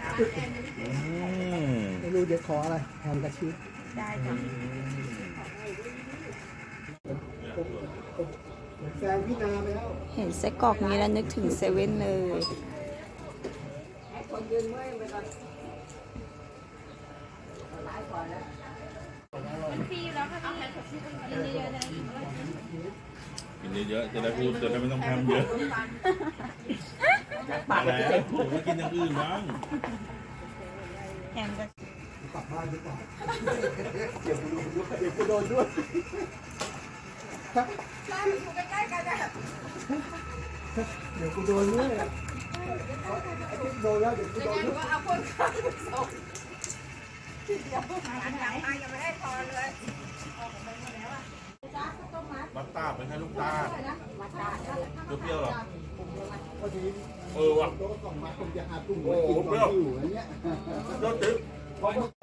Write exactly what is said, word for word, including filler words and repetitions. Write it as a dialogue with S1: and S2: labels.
S1: ไม่รู้เดี๋ยวขออะไรแฮมกระชีส
S2: ได้จ้ะ
S1: แซงพี่นาไปแล้ว
S2: เห็นไส้กรอกนี้แล้วนึกถึงเซเว่นเลย
S3: กินเยอะๆจะได้พูดจะได้ไม่ต้องทำเยอะอะไรผมก็กินอย่างอื่นบ้าง
S2: แฮมก็
S1: กลับบ้านดีกว่าเดี๋ยวกูโดนด้วยเดี๋ยวกูโดนด้วยร้านอยู่ใกล้ๆกันอะเดี๋ยวกูโดนด้วยไอ้ที่โดนแล้วเดี๋ยวกูโดนด้วย
S4: เอาคนข้างไปส่งทีเดียวอันยังมายังไม่ได้พอเลย
S3: บัตตาเป็นแค่ลูกตาเปรี้ยวๆหรอ
S1: พอดี
S3: เออว่ะ
S1: โต๊ะสองมาผมจะหาตุ่มไว้กินตอนที่อยู่อย่างเงี้ย
S3: ยอดจิ๊บ